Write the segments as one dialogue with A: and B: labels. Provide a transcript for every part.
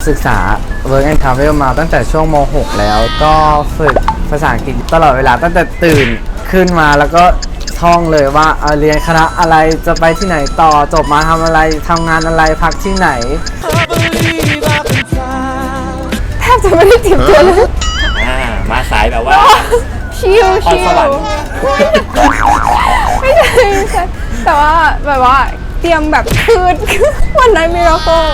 A: ศึกษา Work and Travel มาตั้งแต่ช่วงม .6 แล้วก็ฝึกภาษาอังกฤษตลอดเวลาตั้งแต่ตื่นขึ้นมาแล้วก็ท่องเลยว่าเรียนคณะอะไรจะไปที่ไหนต่อจบมาทำอะไรทำงานอะไรพักที่ไหน
B: แทบจะไม่ได้เตรียมตัวเลย
C: มาสายแบบว่า
B: ชิลไม่ใช่แต่ว่าแบบว่าเตรียมแบบคืนวันนั้นมิราเคิล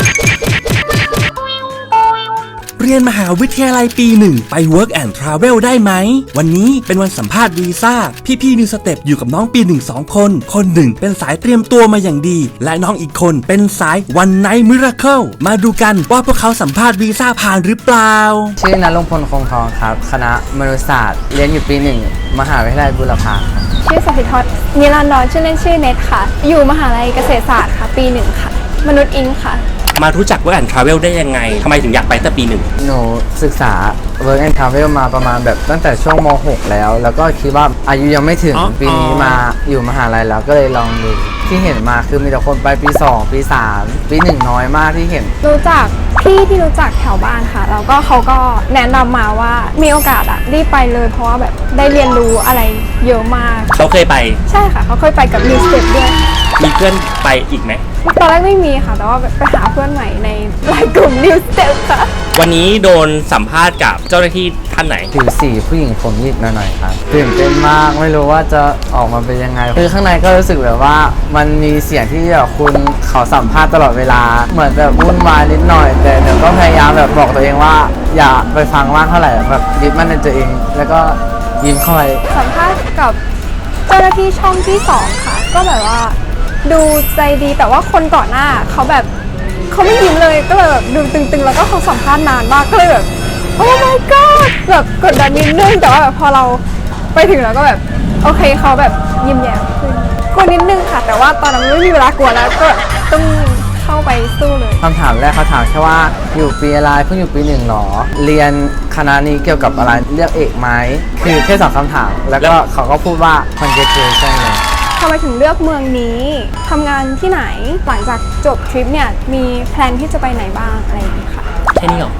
D: เรียนมหาวิทยาลัยปีหนึ่งไป Work and Travel ได้ไหมวันนี้เป็นวันสัมภาษณ์วีซ่าพี่นิวสเต็ปอยู่กับน้องปีหนึ่ง2 คนคนหนึ่งเป็นสายเตรียมตัวมาอย่างดีและน้องอีกคนเป็นสาย One Night Miracle มาดูกันว่าพวกเขาสัมภาษณ์วีซ่าผ่านหรือเปล่า
A: ชื่อนรงพลคงทองครับคณะมนุษยศาสตร์เรียนอยู่ปีหนึ่งมหาวิทยาลัยบุรพา
B: ชื่อสถิธรนิรันดรชื่อเล่นชื่อเน็ตค่ะอยู่มหาลัยเกษตรศาสตร์ค่ะปีหนึ่งค่ะมนุษย์อิงค่ะ
C: มารู้จัก Work and Travel ได้ยังไงทำไมถึงอยากไปตั้งปีหนึ่ง
A: หนูศึกษา Work and Travel มาประมาณแบบตั้งแต่ช่วงม .6 แล้วก็คิดว่าอายุยังไม่ถึงปีนี้มาอยู่มหาลัยแล้วก็เลยลองดูที่เห็นมาคือมีแต่คนไปปี 2 ปี 3 ปี 1น้อยมากที่เห็น
B: รู้จักพี่ที่รู้จักแถวบ้านค่ะแล้วก็เขาก็แนะนำมาว่ามีโอกาสรีบไปเลยเพราะว่าแบบได้เรียนรู้อะไรเยอะมาก
C: เขาเคยไป
B: ใช่ค่ะเขาเคยไปกับ New Step ด้วย
C: มีเพื่อนไปอีกไหม
B: ตอนแรกไม่มีค่ะแต่ว่าไปหาเพื่อนใหม่ในไลน์กลุ่ม New Step ค่ะ
C: วันนี้โดนสัมภาษณ์กับเจ้าหน้าที่ท่านไหน
A: ผิวสีผู้หญิงผมหยิกหน่อยๆครับตื่นเต้นมากไม่รู้ว่าจะออกมาเป็นยังไงคือข้างในก็รู้สึกแบบว่ามันมีเสียงที่แบบคุณเขาสัมภาษณ์ตลอดเวลาเหมือนแบบวุ่นวายนิดหน่อยแต่เดี๋ยวก็พยายามแบบบอกตัวเองว่าอย่าไปฟังมากเท่าไหร่แบบยึดมั่นในตัวเองแล้วก็ยิ้มเข้าไป
B: สัมภาษณ์กับเจ้าหน้าที่ช่องที่2ค่ะก็แบบว่าดูใจดีแต่ว่าคนก่อนหน้าเขาแบบเขาไม่ยิ้มเลยก็เลยแบบดูตึงๆแล้วก็เขาสัมภาษณ์นานมากก็เลยแบบโอ้ my god แบบกดดันนิดนึงแต่ว่าแบบพอเราไปถึงแล้วก็แบบโอเคเขาแบบยิ้มแย้มขึ้นกลัวนิดนึงค่ะแต่ว่าตอนนั้นไม่มีเวลากลัวแล้วก็ต้องเข้าไปสู้เลย
A: คำถามแรกเขาถามแค่ว่าอยู่ปีอะไรเพิ่งอยู่ปี1หรอเรียนคณะนี้เกี่ยวกับอะไรเลือกเอกไหมคือแค่2 คำถามแล้วก็เขาก็พูดว่า congratulation เลย
B: ทำไมถึงเลือกเมืองนี้ทำงานที่ไหนหลังจากจบทริปเนี่ยมีแพลนที่จะไปไหนบ้างอะไรอย่างนี้ค่ะ
C: แค่นี้หรอ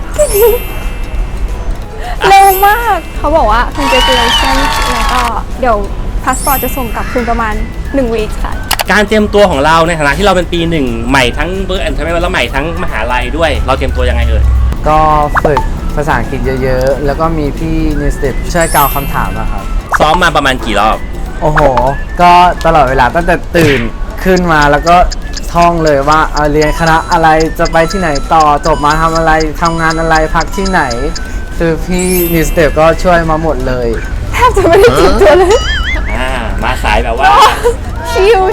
B: เร็วมากเขาบอกว่า congratulations แล้วก็เดี๋ยวพาสปอร์ตจะส่งกลับคืนประมาณ1 วีคค่ะ
C: การเตรียมตัวของเราในฐานะที่เราเป็นปีหนึ่งใหม่ทั้งWork and Travelแล้วใหม่ทั้งมหาลัยด้วยเราเตรียมตัวยังไง
A: ก็ฝึกภาษาอังกฤษเยอะๆแล้วก็มีพี่นิวสเต็ปช่วยกล่าวคำถามนะครับ
C: ซ้อมมาประมาณกี่รอบ
A: โอ้โหก็ตลอดเวลาตั้งแต่ตื่นขึ้นมาแล้วก็ท่องเลยว่าเรียนคณะอะไรจะไปที่ไหนต่อจบมาทำอะไรทำงานอะไรพักที่ไหนคือพี่นิวสเต็ปก็ช่วยมาหมดเลย
B: แทบจะไม่ได้เตรียมตัวเลย
C: มาสายแบบว่า
B: ชิล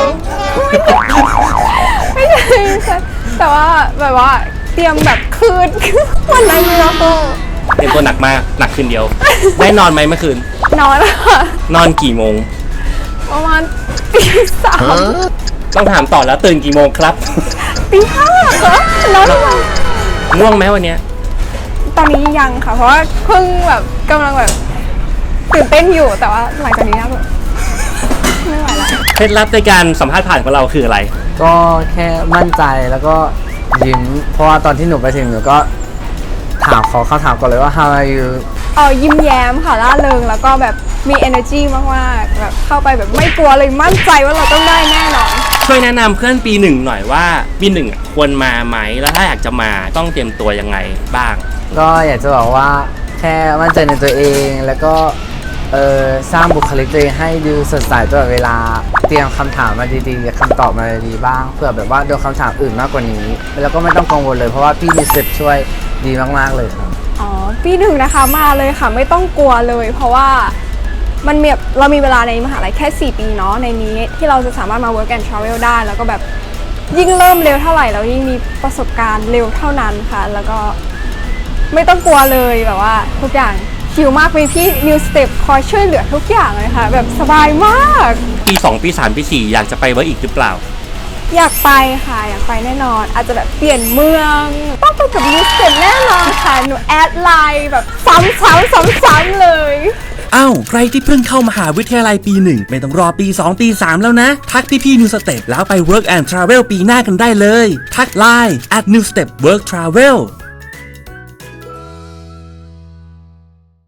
B: ไม่ใช่แต่ว่าแบบว่าเตรียมแบบคืนวันนั้นมิราเคิล
C: เตรียมตัวหนักมากหนักคืนเดียวได้นอนไหมเมื่อคืน
B: นอนค่ะ
C: นอนกี่โมง
B: ประมาณตี 3
C: ต้องถามต่อแล้วตื่นกี่โมงครับ
B: ตี 5ค่ะนอน
C: ง่วงไหมวันนี้
B: ตอนนี้ยังค่ะเพราะว่าเพิ่งแบบกำลังแบบตื่นเต้นอยู่แต่ว่าหลังจากนี้นะแบบไม่ไหวแล้ว
C: เคล็ดลับในการสัมภาษณ์ผ่านของเราคืออะไร
A: ก็แค่มั่นใจแล้วก็ยิ้มเพราะว่าตอนที่หนูไปถึงหนูก็ถามเขาถามก่อนเลยว่า how are you
B: ยิ้มแย้มค่ะร่าเริงแล้วก็แบบมี energy มากๆแบบเข้าไปแบบไม่กลัวเลยมั่นใจว่าเราต้องได้แน่นอน
C: ช่วยแนะนำเพื่อนปีหนึ่งหน่อยว่าปีหนึ่งควรมาไหมแล้วถ้าอยากจะมาต้องเตรียมตัวยังไงบ้าง
A: ก็อยากจะบอกว่าแค่มั่นใจในตัวเองแล้วก็สร้างบุคลิกตัวเองให้ดูสดใสตลอดเวลาเตรียมคำถามมาดีๆคำตอบมาดีบ้างเพื่อแบบว่าโดนคำถามอื่นมากกว่านี้แล้วก็ไม่ต้องกังวลเลยเพราะว่าพี่มีเซตช่วยดีมากๆเลยครับ
B: ปีหนึ่งนะคะมาเลยค่ะไม่ต้องกลัวเลยเพราะว่ามันมีเรามีเวลาในมหาลัยแค่4 ปีเนาะในนี้ที่เราจะสามารถมา Work and Travel ได้แล้วก็แบบยิ่งเริ่มเร็วเท่าไหร่เรายิ่งมีประสบการณ์เร็วเท่านั้นค่ะแล้วก็ไม่ต้องกลัวเลยแบบว่าทุกอย่างชิลมากมีพี่ New Step คอยช่วยเหลือทุกอย่างเลยค่ะแบบสบายมาก
C: ปี 2 ปี 3 ปี 4อยากจะไปWorkอีกหรือเปล่า
B: อยากไปค่ะอยากไปแน่นอนอาจจะแบบเปลี่ยนเมืองต้องไปกับNew Stepแน่นอนค่ะหนูแอดไลน์แบบซ้ำๆเลย
D: อ้าวใครที่เพิ่งเข้ามหาวิทยาลัยปี 1ไม่ต้องรอปี 2 ปี 3 แล้วนะ ทักพี่ๆ New Step แล้วไป Work and Travel ปีหน้ากันได้เลย ทัก Line @newstepworktravel